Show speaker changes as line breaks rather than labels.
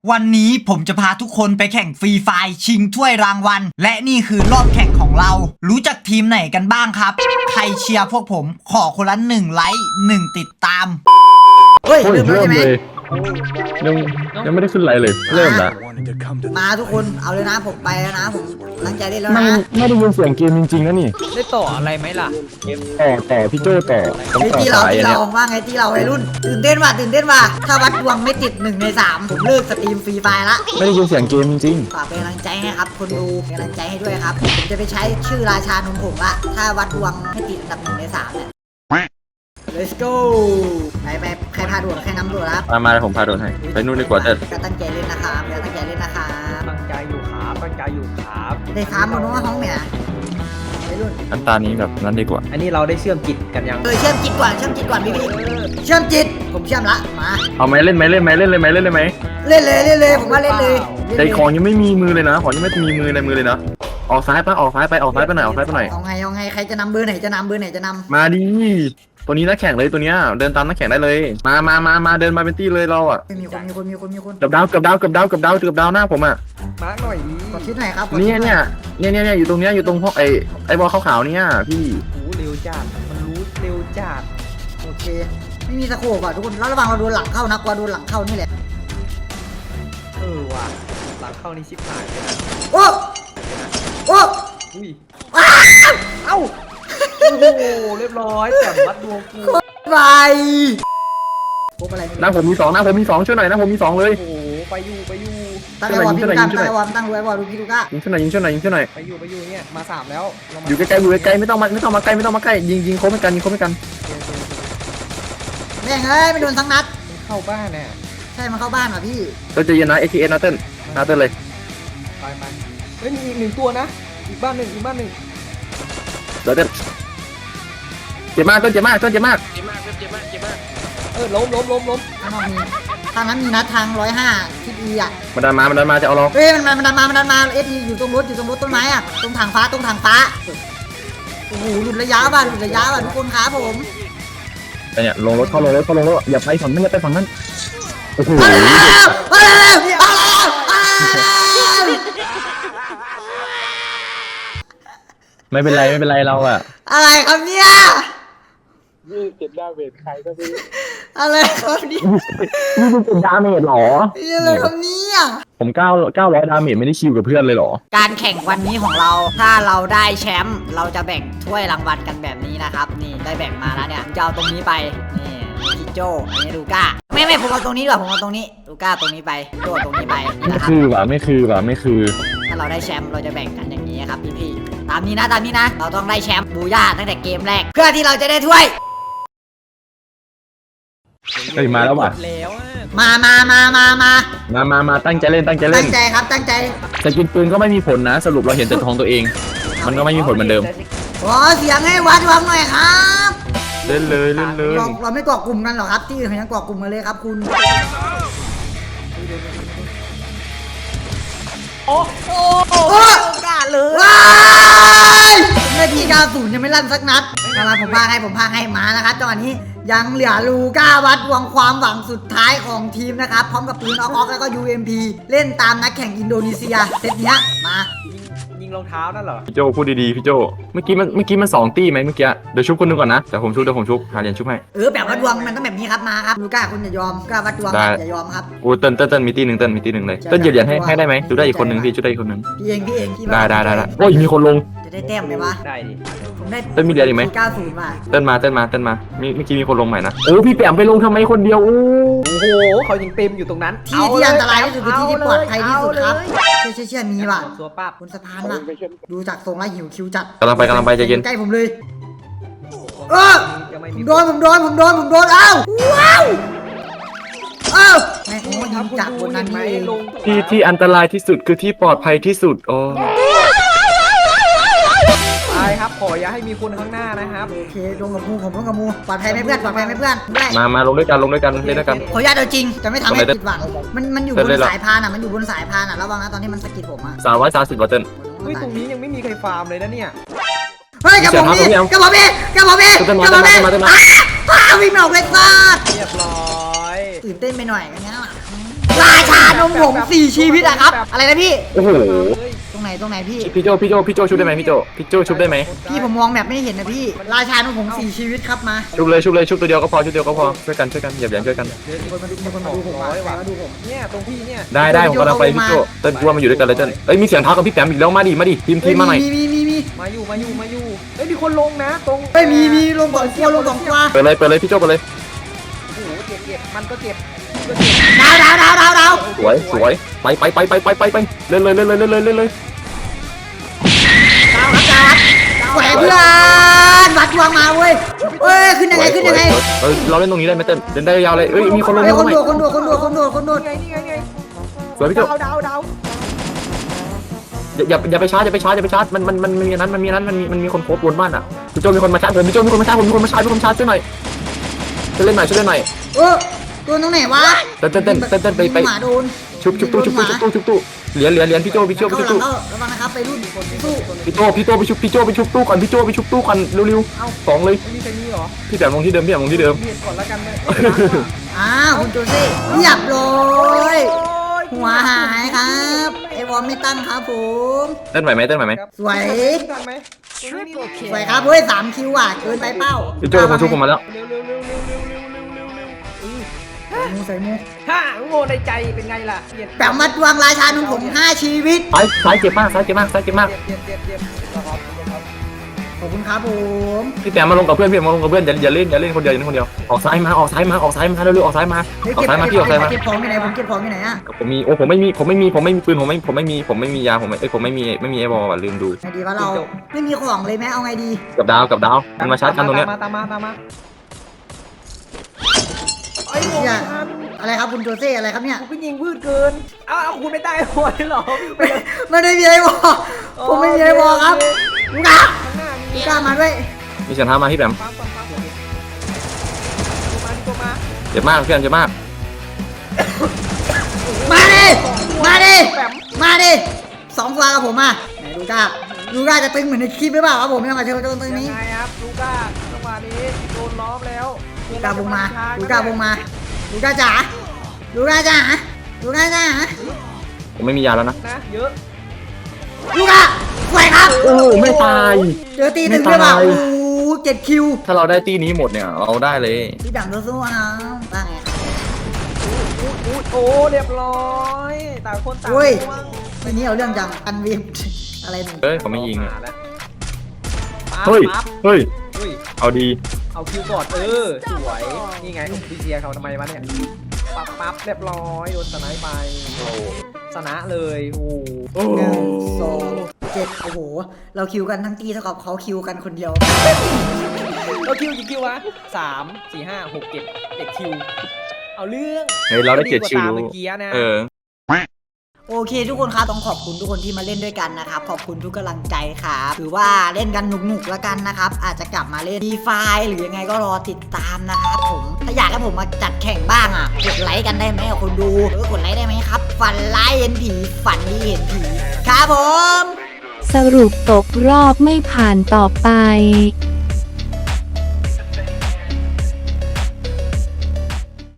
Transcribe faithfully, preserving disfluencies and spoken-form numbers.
วันนี้ผมจะพาทุกคนไปแข่งฟรีไฟร์ชิงถ้วยรางวัลและนี่คือรอบแข่งของเรารู้จักทีมไหนกันบ้างครับใครเชียร์พวกผมขอคนละหนึ่งไลค์หนึ่งติดตามเฮ้ยเริ่มแล้วใช่ไหม
ยังยังไม่ได้ขึ้นไลน์เลยเริ่มละ
มาทุกคนเอาเลยนะผมไปแล้วนะผมตั้งใจเล่นแล้ว
ไม่
นะ
ไม่ได้ยินเสียงเกมจริงๆนะนี่
ได้ต่ออะไรไหมล่ะ
ต่อต่อพี่โจต่อผม
ไอ้
ต่อ
ที่เรา
สาย
ที่
เนี่
เรา
ย
ว่าไงที่เราวัยรุ่นตื่นเต้นว่ะตื่นเต้นว่ะถ้าวัดดวงไม่ติดหนึ่งในสามผมเลิกสตรีมฟรีไฟร์ละ
ไม่ได้ยินเสียงเกมจริง
ฝากเป็นกำลังใจให้ครับคนดูเป็นกำลังใจให้ด้วยครับผมจะไปใช้ชื่อราชานมผงละถ้าวัดดวงให้ติดอันดับหนึ่งในสามเนี่ย let's go ไปไปใครพาด่วนใครนำด่วนครับ
ๆมามาผมพาโดนให้ไปนู่นดีกว่าเต้น
ก็ตั้งใจเล่นนะครับก็ตั้งใจเล่นนะครับ
ตั้งใจอยู่ครับตั้งใจอยู่ครับ
ได้ครับมโนว่าห้องเนี่ยวัยรุ่น
น้ำตานี้แบบนั้นดีกว่า
อันนี้เราได้เชื่อมจิตกันยัง
เออเชื่อมจิตก่อนเชื่อมจิตก่อนพี่พี่เชื่อมจิตผมเชื่อมละมา
เอาไหมเล่นไหมเล่นไหมเล่นเลยไหมเล่นเลยไหม
เล่นเลยเล่นเลยผมว่าเล่นเลย
ใจของยังไม่มีมือเลยนะของยังไม่มีมือในมือเลยนะออกซ้ายปะออกซ้ายไปออกซ้ายไปหน่อยออกซ้ายไปหน่อย
เอาไงเอาไงใครจะนำเบอร์ไหนจะนำเบอร์ไหนจะนำ
มาดิตัวนี้นักแข่งเลยตัวเนี้ยเดินตามนักแข่งได้เลยมามามามาเดินมาเป็นตี้เลยเราอ่ะ
มีคนมีคนมีคนมีคน
เกือบดาวเกือบดาวเกือบดาวเกือบดาวเกือบดาวหน้าผมอ่ะ
มาร์กหน่อยดิ
กดชิดหน่อยครับ
เนี่ยเนี่ยเนี่ยเนี่ยเนี่ยอยู่ตรงเนี้ยอยู่ตรงห้องไอไอบอลขาวๆเนี่ยพี่
โอ้เร็วจัดมันรู้เร็วจัด
โอเคไม่มีสโคปอ่ะทุกคนแล้วระวังเราโดนหลังเข้านะกลัวโดนหลังเข้านี่แหละ
เออว่ะหลังเข้านี่ชิบหายเลยนะ
โอ้โอ้
อุ้ย
ว้าว
เอ้าโอ้โหเรียบร้อยแต่มัดดวงกู
ไปพบอะไร
หน้าผมมีสองหน้าผมมีสองช่วยหน่อยหน้าผมมีสองเลย
โอ้โหไปอยู่ไปอยู่
ตั้งไอ้วอลพี่ลูก้าตั้งไอ้วอลตั้งไอ้วอลดูพี่ลูก้า
ยิงช่วยหน่อยยิงช่วยหน่อยยิงช่วยหน่อย
ไปอยู่ไปอยู่เนี่ยมาสามแล้วเรามา
อยู่ใกล้ๆอยู่ใกล้ๆไม่ต้องมาไม่ต้องมาใกล้ไม่ต้องมาใกล้ยิงยิงโค้งไม่กันยิงโค้งไม่กัน
แม่งเอ้ยไม่โดนทั้งนัด
เข้าบ้านเนี่ย
ใช่มันเข้าบ้านว่ะพี่
เราจะยินนะ เอ ที เอส นะเต้นนะเต้นเลย
ไปไปเฮ้ยมีอีกหนึ่งตัวนะอีกบ้านหนึ่งอีกบ้านหนึ่ง
เดี๋ยวเต้นเจ็บมากต้นเจ็บมากต้นเจ็บมาก
เออล้มล้มล้มล้ม
ข้างนอกมีทางนั้นมีนัดทางร้อยห้าทิศอีอ่ะ
มันดันมามันดันมาจะเอาเรา
เฮ้ยมันมันดันมามันดันมาเอทีอยู่ตรงรถอยู่ตรงรถต้นไม้อ่ะตรงทางฟ้าตรงทางฟ้าโอ้โหหลุดระยะว่ะหลุดระยะว่ะทุกคนครับผม
แต่เนี่ยลงรถเข้าลงรถเข้าลงรถอย่าไปฝั่งนั้นอย่าไปฝั่งนั้นโอ้โห
มาแล้วมาแล้วมาแล้วมาแล้ว
ไม่เป็นไรไม่เป็นไรเราอะ
อะไรครับเนี่ย
ยี่สิบดาเมจใครก็ไม่
อะไรครับเนี่ย
นี่เป็นดาเมจหรอ
อะไรครับเนี่ย
ผมเก้าเก้าร้อยดาเมจไม่ได้คิวกับเพื่อนเลยหรอ
การแข่งวันนี้ของเราถ้าเราได้แชมป์เราจะแบ่งถ้วยรางวัลกันแบบนี้นะครับนี่ได้แบ่งมาแล้วเนี่ยจะเอาตรงนี้ไปนี่พี่โจอันนี้ลูก้าไม่ไม่ผมเอาตรงนี้ดีกว่าผมเอาตรงนี้ลูก้าตรงนี้ไปโจตรงนี้ไปนี่
ไม่
นะครับ
คือว่ะไม่คือว่ะไม่คือ
ถ้าเราได้แชมป์เราจะแบ่งกันอย่างนี้ครับพี่พี่ๆตามนี้นะตามนี้นะ เราต้องได้แชมป์บูย่าตั้งแต่เกมแรก เพื่อที่เราจะได้ถ้วย
เฮ้ยมาแล้วว่ะ
แล้วอะ
มามามามามา
มามามาตั้งใจเล่นตั้งใจเล่
ตั้
น
งใจครับตั้งใจ
แต่กินปืนก็ไม่มีผลนะ สรุปเราเห็นแต่ทองตัวเอง มันก็ไม่มีผลเหมือนเดิม
ขอเสียงให้วัดวังหน่อยครับ
เล่นเลยเล่นเลย
เราเราไม่เกาะกลุ่มกันหรอครับที่อื่นเขายังเกาะกลุ่มกันเลยครับคุณ
โอ้โห
โอ้
กล้าเลย
ว้ายนาทีเก้าสิบยังไม่ลั่นสักนัดมาผมพาให้ผมพาให้มานะครับจังหวะนี้ยังเหลือลูก้าวัดหวังความหวังสุดท้ายของทีมนะครับพร้อมกับปืนออกออกแล้วก็ ยู เอ็ม พี เล่นตามนักแข่งอินโดนีเซียเซตเนี้ยมา
ยิงรองเท้านั่นเหรอ
พี่โจพูดดีๆพี่โจเมื่อกี้มันเมื่อกี้มันสองตี้ไหมเมื่อกี้เดี๋ยวชุบคนหนึงก่อนนะเดี๋ยวผมชุบเดี๋ยวผมชุบหาเหรียญชุบให้
เออแบบวัดดวงมันต้องแบบนี้ครับมาครับลูก้าคุณอย่ายอมลูก้าวัดดวง
ได้
อย่ายอมครับ
โอ้เต้นเต้นเต้นมีตี้หนึ่งเต้นมีตี้หนึ่งเลยเต้นเหยียบเหรียญให้ให้ได้ไหมชุบได้อีกคนหนึ่งพี่ชุบได้อีกคนหนึ่ง
พี่เองพี่เองพี่
ได้ได้ได้ได้โอ้ยมีคนลง
จะได้แต้มไหมวะ
ได้ดิ
ผมได้
เต้นมีเหรียญอีกไหม
เก้าศูนย์ว่ะ
เต้นมาเต้นมาเต้นมามีเมื่อกี้มีคนลงใหม่นะโอ้พี่แปมไปลงทำไมคนเดียวโอ้
โอ้โหเขายิงเต็มอยู่ตรงนั้น
ที่ที่อันตรายที่สุดคือที่ที่ปลอดภัยที่สุดครับเชื่อเชื่อเชื่อมีว่ะ
ตัวป้าบบ
นสะพานว่ะดูจากทรงแล้วหิวคิวจัด
กำลังไปกำลังไปใจเย็น
ใกล้ผมเลยเออ
จะไม่
ผ
มี
มโดนผมโดนผมโดนผมโดนเอ้าว้าวเอ้าแม่งโอ้ยิงจากบนนั้น
ไหม
นี่เอง
ลง
ที่ที่อันตรายที่สุดคือที่ปลอดภัยที่สุดโอ้
ไปครับขออย่าให้มีคนข้างหน้านะครับ
โอเคลงกับมูผมลงกับมูปลอดภัยไหมเพื่อนปลอดภัยไหมเพื่อนได้
มามาลงด้วยกันลงด้วยกันเล่นด้วยกัน
ขออนุญาตเอาจริงจะไม่ทำให้
ทำไม
ผิดหวังมันมันอยู่บ
เล่
น
นเลยเหรอ
สายพานอ่ะมันอยู่บนสายพานอ่ะระวังนะตอนที่มันสะกิดผมอ่ะ
สามร้อยสามสิบวัตเติ้ล
เฮ้ยตรงนี้ยังไม่มีใครฟาร์มเลยนะเนี่ย
เฮ้ยกระบอกพี่กระบอกพี่กระบอกพี่กระบอกพี่อ้าวิ่งไม่ออกเลยฟาด
เรียบร้อย
ตื่นเต้นไปหน่อยกันเนี้ยราชานมผงสี่ชีวิตอะครับ อะไรนะพี่
โอ้โห
ตรงไหนตรงไหนพี่
พี่โจพี่โจพี่โจชุบได้ไหมพี่โจพี่โจชุบได้ไหม
พี่ผมมองแบบไม่เห็นนะพี่ ราชานมผงสี่ชีวิตครับมา
ชุบเลยชุบเลยชุบตัวเดียวก็พอชุบเดียวก็พอช่วยกันช่วยกันอย่าแย่งช่วยกัน
เดี๋ยวมีคนมาดูมีคนมาดูผมร้อยว่ะมาดูผมเนี่ยตรงพี่เนี่ย
ได้ได้ผมกำลังไปพี่โจเต้นกลัวมาอยู่ด้วยกันเลยเต้นเอ้ยมีเสียงเท้ากับพี่แปมอีกแล้วมาดิมาดิทีมทีมมาหน่อย
มีมีมีมี
มาอยู่มาอยู่มาอยู่เฮ้ยมีคนลงนะตรง
เฮ้ยมีมีลงสองตัวลงสองตัว
เปิดเลยเปิดเลยพี่โจเปิดเลย
โอ้โหเจ็บเจ็บมันก็เจ็บก็เจ็บ
ดาวดาวดาวดาวดาว
สวยสวยไปไปไปไปไปไปไปเล่นเลยเล่นเลยเล่นเลยเล่นเลย
ดาวครับดาวครับแหวกเพื่อนวัดดวงมาเว้ยเอ้ยขึ้นยังไงขึ้นยังไง
เออเราเล่นตรงนี้ได้ไหมเต้นเล่นได้ยาวเลยเอ้ยมีคนลง
เฮ้ย
มา
คน
ใหม่
โดดคนโดดคนโดดคนโดดคนโดด
นี่ไงนี่ไงนี่ไง
สวยพี่โจ
ดาวดาวดาว
อย่าอย่าอย่าไปชาร์จอย่าไปชาร์จอย่าไปชาร์จมันมันมันมีนั้นมันมีนั้นมันมีมันมีคนโคบบนบ้านอ่ะพี่โจมีคนมาชาร์จผมพี่โจมีคนมาชาร์จผมมีคนมาชาร์จมีคนมาชาร์จช่วยหน่อยช่วยเล่นหน่อยช่วยเล่นหน่อย
เออตัวตรงไหนวะ
เต้นเต้นเต้นเต้นเต้นไปไป
หมาโดน
ชุบชุบตู้ชุบตู้ชุบตู้ชุบตู้เหรียญเหรียญเหรียญพี่โจพี่โจ
เข้า
พี่
หลั
โจ
งเข้าระวังนะครับไปรุ่นสู้
พี่โจพี่โจไปชุบพี่โจไปชุบตู้ก่อนพี่โจไปชุบตู้ก่อนเร็วๆสองเลย
ไม่มีใครมีเหรอ
พี่แบบลงที่เดิมพี่แบบลงที่เดิม
เบียดก่อนแล้วกันเลย
อ้าวคุณโจเซ่เรียบร้อยหัวหายครับไอวอลไม่ตั้งครับผม
เต้นไหวไหมเต้นไหวไหม
สวย
ทันไหม
สวยครับเฮ้ยสามคิวอ่ะเกินไปเป้า
พี่โจผมชุบผมมาแล้ว
เร็วเร็วเร็วเร็วเร็วเร็วเร็วเร็วเร็วอือ
ใส่มูใส่มู
ฮ่าโง่ในใจเป็นไงล่ะเจ็บ
แปมมาดวงราชานุ่มผมห้าชีวิต
ซ้ายซ้ายเจ็บมากซ้ายเจ็บมากซ้ายเจ็บมาก
เจ็บเจ็บเจ็บครับ
ขอบคุณครับผม
พี่แปมมาลงกับเพื่อนพี่มาลงกับเพื่อนอย่าอย่าเล่นอย่าเล่นคนเดียวอย่าเล่นคนเดียวออกซ้ายมาออกซ้ายมาออกซ้ายมาเร็วๆออกซ้ายมา
เฮ้ย
ออก
เก็บ
ซ้ายมาพี่ออกซ้ายมา
เก็บของอยู่ไหนผมเก็บของอยู่ไหนอ่ะ
ผมมีโอ้ผมไม่มีผมไม่มีผมไม่มีปืนผมไม่ผมไม่มีผมไม่มียาผมไม่เอ้ยผมไม่มีไม่มีไอ้บอลว่ะลืมดู
ไงดีวะเราไม่มีของเลยไหมเอาไงดี
กับดาวกับดาวมันมาชาร์จกันตรงเนี้ย
ตามมาตามมาไอ้โง่
เชี่ยอะไรครับคุณโจเซ่อะไรครับเนี่ย
กูก็ยิงพืชเกินอ้าวคุณไม่ได้หอยหรอ
ไม่ได้มีอะไรบอกผมไม่มีอะไรบอกครับลูกค้า
ข้างหน้ามี
ลูกค้ามาด้วย
มีเสียงเท้ามาพี่แปม
ปั๊มปั๊มปั๊มตัวมาตัวมา
เจ็บมากเพื่อนเจ็บมาก
มาดิมาดิมาดิสองตัวกับผมอ่ะไหนลูก้าลูก้าจะตึงเหมือนในคลิปหรือเปล่าครับผมยังมาเจอตรงตรงนี้
ยังไงครับลูก้าจังหวะนี้โดนล้อมแล้ว
ลูก้าวงมาลูก้าวงมาลูก้าจ๋าลูก้าจ๋าลูก้าจ๋า
ผมไม่มียาแล้วนะ
นะเยอะ
ลูก้าสวยครับ
โอ้ไม่ตาย
เจอตีหนึ่งด้วยเปล่าโอ้เจ็ดคิว
ถ้าเราได้ตีนี้หมดเนี่ยเราได้เลย
พี่ดังสู้ๆนะว่าไง
อุ้ยอุ้ยโอ้เรียบร้อยต่างคนต่าง
อุ้ย
ว่าง
ทีนี้เอาเรื่องจังอันวิมอะไรนี่
เฮ้ยผมไม่ยิงอะ
มาแล้ว
เฮ้ย
ปั๊บ
เฮ้ย
เฮ้ย
เอาดี
เอาคิวก่อนเออสวยนี่ไงพี่เชียร์เขาทำไมวะเนี่ยปั๊บปั๊บเรียบร้อยโดนสไนป์ไปโอ้ชนะเลยโอ้โห
หนึ่งสองเจ็ดโอ้โห เราคิวกันทั้งตีเท่ากับเขาคิวกันคนเดียว
เราคิวกี่คิววะสามสี่ห้าหกเจ็ดเจ็ดคิวเอาเรื่อง
เฮ้ยเราได้เจ็ดคิว
ดีกาตาเมื่อกี้นะ
เออ
โอเคทุกคนครับต้องขอบคุณทุกคนที่มาเล่นด้วยกันนะครับขอบคุณทุกกำลังใจครับถือว่าเล่นกันหนุกๆแล้วกันนะครับอาจจะกลับมาเล่นดีไฟหรือยังไงก็รอติดตามนะครับผมถ้าอยากให้ผมมาจัดแข่งบ้างอ่ะกดไลค์กันได้ไหมอ่ะคนดูเออกดไลค์ได้ไหมครับฝันไลค์เห็นผีฝันดีเห็นผีครับผม
สรุปตกรอบไม่ผ่านต่อไป